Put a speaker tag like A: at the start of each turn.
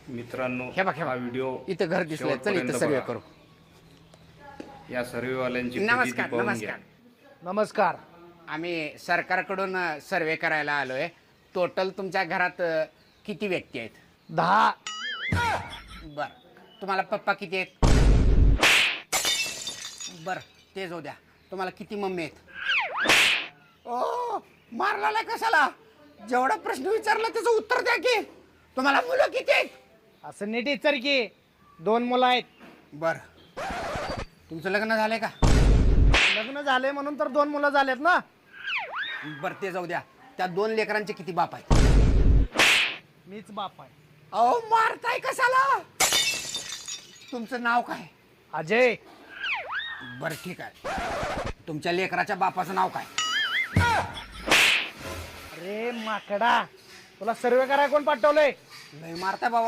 A: मित्रांनो,
B: हे बघ
A: हा व्हिडिओ
B: इथं घर दिसलंय, चल इथं सर्वे करू.
A: या सर्वेवाल्यांची
B: नमस्कार
A: प्रचिती पाहून घ्या.
B: नमस्कार.
C: नमस्कार.
B: आम्ही सरकारकडून सर्वे करायला आलोय. टोटल तुमच्या घरात किती व्यक्ती आहेत?
C: 10.
B: बर. तुम्हाला पप्पा किती आहेत? बर, ते जाऊ द्या. तुम्हाला किती मम्मी आहेत? ओ, मारला कशाला? जेवढा प्रश्न विचारला त्याचं उत्तर द्या की. तुम्हाला मुलं किती आहेत?
C: असं नीट विचार की 2 मुलं आहेत.
B: बर. तुमचं लग्न झालंय का?
C: लग्न झाले म्हणून तर 2 मुलं झालेत ना.
B: बर, ते जाऊ द्या. त्या 2 लेकरांचे किती बाप आहेत?
C: मीच बाप आहे.
B: अहो, मारताय कशाला? तुमचं नाव काय?
C: अजय.
B: बर, ठीक आहे. तुमच्या लेकराच्या बापाचं नाव काय?
C: अरे माकडा, तुला सर्वे करायला कोण पाठवलंय?
B: लय मारताय बाबा.